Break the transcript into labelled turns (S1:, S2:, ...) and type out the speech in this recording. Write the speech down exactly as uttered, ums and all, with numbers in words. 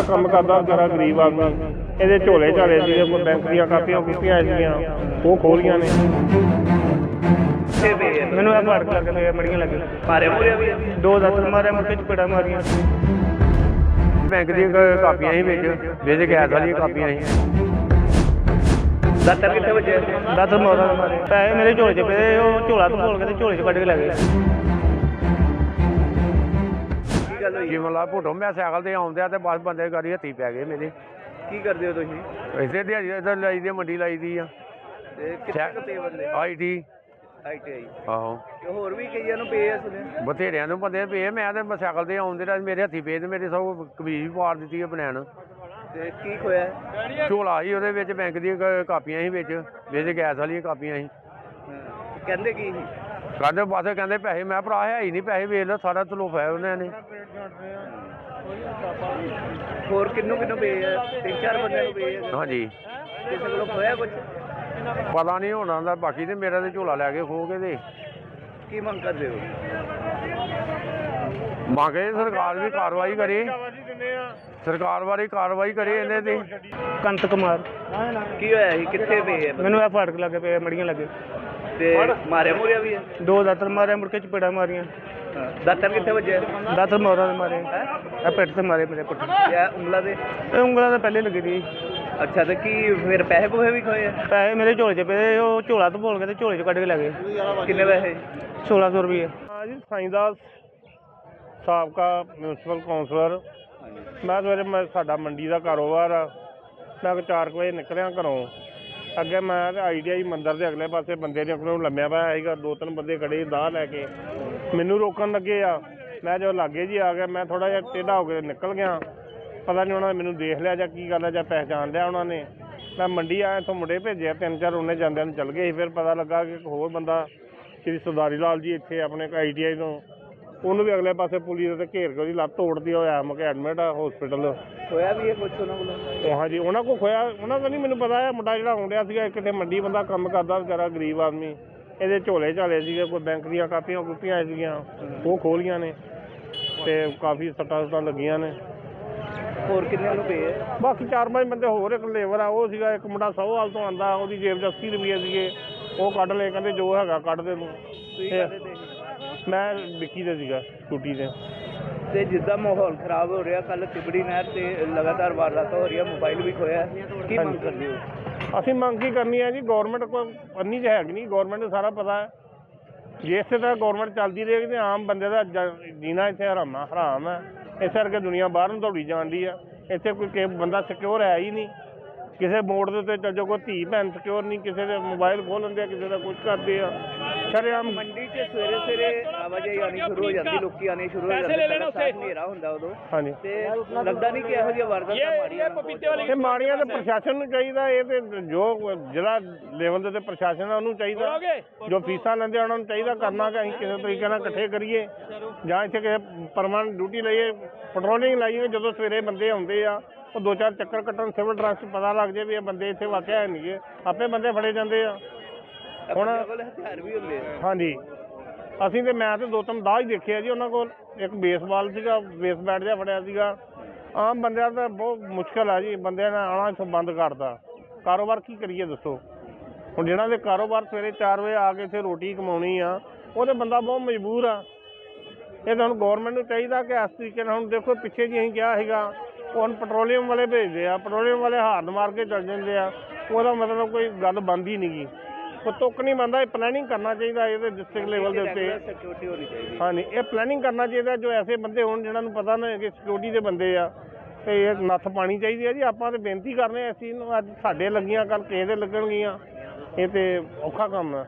S1: ਕੰਮ ਕਰਦਾ ਵਿਚਾਰਾ ਗਰੀਬ ਆਦਮੀ। ਇਹਦੇ ਝੋਲੇ ਝਾਲੇ ਸੀਗੇ, ਕੋਈ ਬੈਂਕ ਦੀਆਂ ਕਾਪੀਆਂ ਕੁਪੀਆਂ ਸੀਗੀਆਂ ਉਹ ਖੋਲੀਆਂ ਨੇ।
S2: ਮੈਨੂੰ ਇਹ ਫਰਕ ਲੱਗ ਪਿਆ, ਮੜੀਆਂ ਲੱਗੇ ਮਾਰੇ ਮੂਰੇ ਵੀ ਦੋ ਦਾਤਰ ਮਾਰਿਆ, ਮੁੜ ਕੇ ਚਪੇੜਾਂ ਮਾਰੀਆਂ।
S3: ਬੈਂਕ ਦੀਆਂ ਕਾਪੀਆਂ ਸੀ ਵਿੱਚ ਵਿੱਚ ਗੈਸ ਵਾਲੀਆਂ ਕਾਪੀਆਂ ਸੀ।
S2: ਦਾਤਰ ਕਿੱਥੇ ਵੱਜੇ?
S1: ਦਾਤਰ ਮੋਰਾ ਮਾਰੇ। ਪੈਸੇ ਮੇਰੇ ਝੋਲੇ 'ਚ ਪਏ, ਉਹ ਝੋਲਾ ਤੋਂ ਖੋਲ ਕੇ ਤੇ ਝੋਲੇ 'ਚ ਕੱਢ ਕੇ ਲੈ ਗਏ।
S2: ਕੀ ਗੱਲ ਹੋਈ?
S3: ਜਿਵੇਂ ਲਾ ਭੁੱਟੋ ਮੈਂ ਸਾਈਕਲ ਤੇ ਆਉਂਦਿਆ ਤੇ ਬਸ ਬੰਦੇ ਗਾੜੀ ਹੱਥੀ ਪੈ ਗਏ ਮੇਰੇ।
S2: ਕੀ ਕਰਦੇ ਹੋ ਤੁਸੀਂ?
S3: ਇਸੇ ਦਿਹਾੜੀ ਇੱਧਰ ਲਾਈ ਦੀ ਮੰਡੀ ਲਾਈ ਦੀ ਆ
S2: ਤੇ ਕਿੱਥੇ ਕੁ ਬੰਦੇ?
S3: I T
S2: I T I.
S3: ਆਹੋ
S2: ਤੇ ਹੋਰ ਵੀ ਕਈਆਂ ਨੂੰ ਪਏ ਆ ਸੁਣਿਆ।
S3: ਬਥੇਰਿਆਂ ਨੂੰ ਬੰਦੇ ਪਏ। ਮੈਂ ਤੇ ਸਾਈਕਲ ਤੇ ਆਉਂਦੇ ਰਿਹਾ, ਮੇਰੇ ਹੱਥੀ ਪਏ ਤੇ ਮੇਰੇ ਸਭ ਕਮੀਜ਼ ਵੀ ਪਾੜ ਦਿੱਤੀ ਹੈ ਬਨੈਣ।
S2: ਤੇ ਕੀ ਖੋਇਆ?
S3: ਝੋਲਾ ਸੀ ਉਹਦੇ ਵਿੱਚ ਬੈਂਕ ਦੀਆਂ ਕ- ਕਾਪੀਆਂ ਸੀ ਵਿੱਚ ਵਿੱਚ ਗੈਸ ਵਾਲੀਆਂ ਕਾਪੀਆਂ ਸੀ।
S2: ਕਹਿੰਦੇ ਕੀ ਸੀ?
S3: ਕਹਿੰਦੇ ਬਸ ਕਹਿੰਦੇ ਪੈਸੇ। ਮੈਂ ਭਰਾ ਹੈ ਹੀ ਨਹੀਂ ਪੈਸੇ, ਵੇਚ ਲਓ ਸਾਰਾ ਤਲੋਫ ਹੈ ਉਹਨਾਂ ਨੇ।
S2: ਹੋਰ ਕਿੰਨੂੰ ਕਿੰਨੂੰ ਪਏ ਆ? ਤਿੰਨ ਚਾਰ ਬੰਦਿਆਂ ਨੂੰ ਪਏ ਆ।
S3: ਹਾਂਜੀ
S2: ਕਿਸੇ ਕੋਲੋਂ ਖੋਇਆ ਕੁਝ?
S3: ਪਤਾ ਨਹੀਂ ਹੋਣਾ ਦਾ। ਬਾਕੀ ਤੇ ਮੇਰਾ ਤੇ ਝੋਲਾ ਲੈ ਕੇ ਖੋ ਕੇ ਤੇ
S2: ਕੀ ਮੰਗ ਕਰਦੇ ਹੋ?
S3: ਮੰਗੇ ਸਰਕਾਰ ਵੀ ਕਾਰਵਾਈ ਕਰੇ, ਸਰਕਾਰ ਬਾਰੇ ਕਾਰਵਾਈ ਕਰੇ ਇਹਨੇ ਤੇ।
S1: ਕੰਤ ਕੁਮਾਰ।
S2: ਕੀ ਹੋਇਆ ਸੀ? ਕਿੱਥੇ ਪਏ ਆ?
S1: ਮੈਨੂੰ ਇਹ ਫਰਕ ਲੱਗ ਪਿਆ, ਮੜੀਆਂ ਲੱਗੇ
S2: ਤੇ ਮਾਰਿਆ ਮੂਰਿਆ ਵੀ ਹੈ?
S1: ਦੋ ਦਾਤਰ ਮਾਰਿਆ, ਮੁੜ ਕੇ ਚਪੇੜਾਂ ਮਾਰੀਆਂ।
S2: ਦਾਤਰ ਕਿੱਥੇ ਵੱਜੇ?
S1: ਦਾਤਰ ਮੋਰਾ ਦੇ ਮਾਰੇ, ਇਹ ਪਿੱਠ ਤੇ ਮਾਰੇ ਮੇਰੇ ਪੁੱਟ।
S2: ਜਾਂ ਉਂਗਲਾਂ ਦੇ?
S1: ਇਹ ਉਂਗਲਾਂ ਤਾਂ ਪਹਿਲੇ ਲੱਗੀ ਸੀ।
S2: ਅੱਛਾ, ਤੇ ਕੀ ਫਿਰ ਪੈਸੇ ਪੂਸੇ ਵੀ ਖੋਏ ਆ?
S1: ਪੈਸੇ ਮੇਰੇ ਝੋਲੇ 'ਚ ਪਏ, ਉਹ ਝੋਲਾ ਤੋਂ ਖੋਲ ਕੇ ਤੇ ਝੋਲੇ 'ਚ ਕੱਢ ਕੇ ਲੈ ਗਏ।
S2: ਕਿੰਨੇ ਪੈਸੇ?
S1: ਸੋਲਾਂ ਸੌ ਰੁਪਏ। ਹਾਂ ਜੀ, ਸਾਈਂਦਾਸ ਸਾਬਕਾ ਮਿਊਨਸੀਪਲ ਕੌਂਸਲਰ। ਮੈਂ ਸਵੇਰੇ ਮੈਂ ਸਾਡਾ ਮੰਡੀ ਦਾ ਕਾਰੋਬਾਰ ਆ। ਮੈਂ ਚਾਰ ਕੁ ਵਜੇ ਨਿਕਲਿਆ ਘਰੋਂ। ਅੱਗੇ ਮੈਂ ਤੇ ਆਈ ਟੀ ਆਈ ਮੰਦਿਰ ਦੇ ਅਗਲੇ ਪਾਸੇ ਬੰਦੇ ਨੇ ਕੋਲੋਂ ਲੰਮਿਆ ਪਿਆ ਸੀਗਾ। ਦੋ ਤਿੰਨ ਬੰਦੇ ਖੜੇ ਦਾਹ ਲੈ ਕੇ ਮੈਨੂੰ ਰੋਕਣ ਲੱਗੇ ਆ। ਮੈਂ ਜਦੋਂ ਲਾਗੇ ਜੀ ਆ ਗਿਆ, ਮੈਂ ਥੋੜ੍ਹਾ ਜਿਹਾ ਟੇਢਾ ਹੋ ਕੇ ਨਿਕਲ ਗਿਆ। ਪਤਾ ਨਹੀਂ ਉਹਨਾਂ ਨੇ ਮੈਨੂੰ ਦੇਖ ਲਿਆ ਜਾਂ ਕੀ ਗੱਲ ਹੈ, ਜਾਂ ਪਹਿਚਾਣ ਲਿਆ ਉਹਨਾਂ ਨੇ। ਮੈਂ ਮੰਡੀ ਆਇਆ, ਇੱਥੋਂ ਮੁੰਡੇ ਭੇਜਿਆ ਤਿੰਨ ਚਾਰ, ਉਹਨੇ ਜਾਂਦਿਆਂ ਨੂੰ ਚੱਲ ਗਏ ਸੀ। ਫਿਰ ਪਤਾ ਲੱਗਾ ਕਿ ਇੱਕ ਹੋਰ ਬੰਦਾ ਸ਼੍ਰੀ ਸਰਦਾਰੀ ਲਾਲ ਜੀ ਇੱਥੇ ਆਪਣੇ ਆਈ ਟੀ ਆਈ ਤੋਂ, ਉਹਨੂੰ ਵੀ ਅਗਲੇ ਪਾਸੇ ਪੁਲਿਸ ਦੇ ਘੇਰ ਕੇ ਉਹਦੀ ਲੱਤ ਤੋੜਦੀ ਹੋਇਆ ਮੈਂ ਕਿ ਐਡਮਿਟ ਆ ਹੋਸਪਿਟਲ।
S2: ਖੋਇਆ ਵੀ ਇਹ ਕੁਛ ਉਹਨਾਂ ਕੋਲੋਂ?
S1: ਹਾਂਜੀ, ਉਹਨਾਂ ਕੋਲ ਖੋਇਆ, ਉਹਨਾਂ ਦਾ ਨਹੀਂ ਮੈਨੂੰ ਪਤਾ ਹੈ। ਮੁੰਡਾ ਜਿਹੜਾ ਆਉਂਦਿਆ ਸੀਗਾ, ਕਿਤੇ ਮੰਡੀ ਬੰਦਾ ਕੰਮ ਕਰਦਾ ਵਿਚਾਰਾ ਗਰੀਬ ਆਦਮੀ। ਇਹਦੇ ਝੋਲੇ ਝਾਲੇ ਸੀਗੇ, ਕੋਈ ਬੈਂਕ ਦੀਆਂ ਕਾਪੀਆਂ ਕੁਪੀਆਂ ਸੀਗੀਆਂ ਉਹ ਖੋਲੀਆਂ ਨੇ ਤੇ ਕਾਫੀ ਸੱਟਾਂ ਸੁੱਟਾਂ ਲੱਗੀਆਂ ਨੇ।
S2: ਹੋਰ ਕਿੰਨੇ ਨੂੰ ਪਏ ਆ?
S1: ਬਾਕੀ ਚਾਰ ਪੰਜ ਬੰਦੇ ਹੋਰ, ਇੱਕ ਲੇਬਰ ਆ ਉਹ ਸੀਗਾ। ਇੱਕ ਮੁੰਡਾ ਸੌਹਾਲ ਤੋਂ ਆਉਂਦਾ, ਉਹਦੀ ਜੇਬ 'ਚ ਅੱਸੀ ਰੁਪਏ ਸੀਗੇ, ਉਹ ਕੱਢ ਲਏ। ਕਹਿੰਦੇ ਜੋ ਹੈਗਾ ਕੱਢ ਦੇ ਤੂੰ।
S2: ਤੁਸੀਂ ਕਾਹਦੇ ਤੇ ਸੀ?
S1: ਮੈਂ ਵਿੱਕੀ ਦੇ ਸੀਗਾ, ਸਕੂਟੀ ਤੇ।
S2: ਤੇ ਜਿੱਦਾਂ ਮਾਹੌਲ ਖਰਾਬ ਹੋ ਰਿਹਾ, ਕੱਲ ਤਿਬੜੀ ਨਹਿਰ ਤੇ ਲਗਾਤਾਰ ਵਾਰਦਾਤਾਂ ਹੋ ਰਹੀਆਂ, ਮੋਬਾਈਲ ਵੀ ਖੋਇਆ, ਕੀ ਮੰਗ ਕਰਦੇ ਹੋ?
S1: ਅਸੀਂ ਮੰਗ ਕੀ ਕਰਨੀ ਹੈ ਜੀ? ਗੌਰਮੈਂਟ ਕੋਈ ਅੰਨੀ ਚ ਹੈਗੀ ਨਹੀਂ, ਗੌਰਮੈਂਟ ਨੂੰ ਸਾਰਾ ਪਤਾ ਹੈ। ਜੇ ਇਸੇ ਤਰ੍ਹਾਂ ਗੌਰਮੈਂਟ ਚੱਲਦੀ ਰਹੇਗੀ ਤੇ ਆਮ ਬੰਦੇ ਦਾ ਜ- ਜੀਣਾ ਇੱਥੇ ਹਰਾਮਾ ਹਰਾਮ ਹੈ। ਇਸ ਕਰਕੇ ਦੁਨੀਆ ਬਾਹਰ ਨੂੰ ਦੌੜੀ ਜਾਂਦੀ ਆ। ਇੱਥੇ ਕੋਈ ਕਿ ਬੰਦਾ ਸਿਕਿਉਰ ਹੈ ਹੀ ਨਹੀਂ। ਕਿਸੇ ਮੋੜ ਦੇ ਉੱਤੇ ਚੱਲ ਜਾਓ, ਕੋਈ ਧੀ ਭੈਣ ਸਿਕਿਉਰ ਨਹੀਂ। ਕਿਸੇ ਦੇ ਮੋਬਾਈਲ ਖੋਹ ਲੈਂਦੇ ਆ, ਕਿਸੇ ਦਾ ਕੁਝ ਕਰਦੇ ਆ। ਸ਼ਰੇਆਮ
S2: ਮੰਡੀ 'ਚ ਸਵੇਰੇ ਸਵੇਰੇ ਆਵਾਜਾਈ ਆਉਣੀ ਸ਼ੁਰੂ ਹੋ ਜਾਂਦੀ, ਲੋਕੀ ਆਉਣੇ ਸ਼ੁਰੂ ਹੋ ਜਾਂਦੇ, ਹਨੇਰਾ ਹੁੰਦਾ ਉਦੋਂ।
S1: ਹਾਂਜੀ,
S2: ਤੇ ਲੱਗਦਾ ਨਹੀਂ ਕਿ ਇਹੋ ਜਿਹੀਆਂ ਵਾਰਦਾਤਾਂ ਮਾੜੀਆਂ
S1: ਇਹ ਮਾੜੀਆਂ ਤਾਂ ਪ੍ਰਸ਼ਾਸਨ ਨੂੰ ਚਾਹੀਦਾ। ਇਹ ਤੇ ਜੋ ਜ਼ਿਲ੍ਹਾ ਲੈਵਲ ਦੇ ਉੱਤੇ ਪ੍ਰਸ਼ਾਸਨ ਆ ਉਹਨੂੰ ਚਾਹੀਦਾ, ਜੋ ਫੀਸਾਂ ਲੈਂਦੇ ਆ ਉਹਨਾਂ ਨੂੰ ਚਾਹੀਦਾ ਕਰਨਾ ਕਿ ਅਸੀਂ ਕਿਸੇ ਤਰੀਕੇ ਨਾਲ ਇਕੱਠੇ ਕਰੀਏ ਜਾਂ ਇੱਥੇ ਕਿਸੇ ਪਰਮਾਨੈਂਟ ਡਿਊਟੀ ਲਈਏ, ਪੈਟਰੋਲਿੰਗ ਲਾਈਏ। ਜਦੋਂ ਸਵੇਰੇ ਬੰਦੇ ਆਉਂਦੇ ਆ ਉਹ ਦੋ ਚਾਰ ਚੱਕਰ ਕੱਟਣ, ਸਿਵਲ ਡਰੈਸ 'ਚ ਪਤਾ ਲੱਗ ਜਾਏ ਵੀ ਇਹ ਬੰਦੇ ਇੱਥੇ ਵਾਕਿਆ ਹੈ ਨਹੀਂ ਗੇ, ਆਪੇ ਬੰਦੇ ਫੜੇ ਜਾਂਦੇ ਆ। ਹੁਣ
S2: ਹਥਿਆਰ ਵੀ ਹੁੰਦੇ ਆ।
S1: ਹਾਂਜੀ, ਅਸੀਂ ਤੇ ਮੈਂ ਤੇ ਦੋ ਤਿੰਨ ਦਾਹ ਹੀ ਦੇਖੇ ਆ ਜੀ ਉਹਨਾਂ ਕੋਲ। ਇੱਕ ਬੇਸਬਾਲ ਸੀਗਾ, ਬੇਸ ਬੈਟ ਜਿਹਾ ਫੜਿਆ ਸੀਗਾ। ਆਮ ਬੰਦਿਆਂ ਦਾ ਬਹੁਤ ਮੁਸ਼ਕਿਲ ਆ ਜੀ, ਬੰਦਿਆਂ ਨੇ ਆਉਣਾ ਇੱਥੋਂ ਬੰਦ ਕਰਤਾ। ਕਾਰੋਬਾਰ ਕੀ ਕਰੀਏ ਦੱਸੋ? ਹੁਣ ਜਿਹਨਾਂ ਦੇ ਕਾਰੋਬਾਰ ਸਵੇਰੇ ਚਾਰ ਵਜੇ ਆ ਕੇ ਇੱਥੇ ਰੋਟੀ ਕਮਾਉਣੀ ਆ, ਉਹ ਤਾਂ ਬੰਦਾ ਬਹੁਤ ਮਜਬੂਰ ਆ। ਇਹ ਤਾਂ ਹੁਣ ਗੌਰਮੈਂਟ ਨੂੰ ਚਾਹੀਦਾ ਕਿ ਇਸ ਤਰੀਕੇ ਨਾਲ, ਹੁਣ ਦੇਖੋ ਪਿੱਛੇ ਜੀ ਅਸੀਂ ਕਿਹਾ ਸੀਗਾ, ਹੁਣ ਪੈਟਰੋਲੀਅਮ ਵਾਲੇ ਭੇਜਦੇ ਆ, ਪੈਟਰੋਲੀਅਮ ਵਾਲੇ ਹਾਰਨ ਮਾਰ ਕੇ ਚੱਲ ਜਾਂਦੇ ਆ। ਉਹਦਾ ਮਤਲਬ ਕੋਈ ਗੱਲ ਬਣਦੀ ਨਹੀਂ ਗੀ, ਕੋਈ ਤੁੱਕ ਨਹੀਂ ਬਣਦਾ। ਇਹ ਪਲੈਨਿੰਗ ਕਰਨਾ ਚਾਹੀਦਾ ਇਹਦੇ ਡਿਸਟ੍ਰਿਕਟ ਲੈਵਲ ਦੇ ਉੱਤੇ।
S2: ਸਿਕਿਉਰਿਟੀ ਹੋਣੀ ਚਾਹੀਦੀ।
S1: ਹਾਂਜੀ, ਇਹ ਪਲੈਨਿੰਗ ਕਰਨਾ ਚਾਹੀਦਾ। ਜੋ ਐਸੇ ਬੰਦੇ ਹੋਣ ਜਿਹਨਾਂ ਨੂੰ ਪਤਾ ਨਾ ਕਿ ਸਿਕਿਉਰਿਟੀ ਦੇ ਬੰਦੇ ਆ, ਤੇ ਇਹ ਨੱਥ ਪਾਣੀ ਚਾਹੀਦੀ ਹੈ ਜੀ। ਆਪਾਂ ਤਾਂ ਬੇਨਤੀ ਕਰਨੇ ਆ ਇਸ ਚੀਜ਼ ਨੂੰ। ਅੱਜ ਸਾਡੇ ਲੱਗੀਆਂ, ਕੱਲ੍ਹ ਕਿਸੇ ਦੇ ਲੱਗਣਗੀਆਂ। ਇਹ ਤੇ ਔਖਾ ਕੰਮ ਹੈ।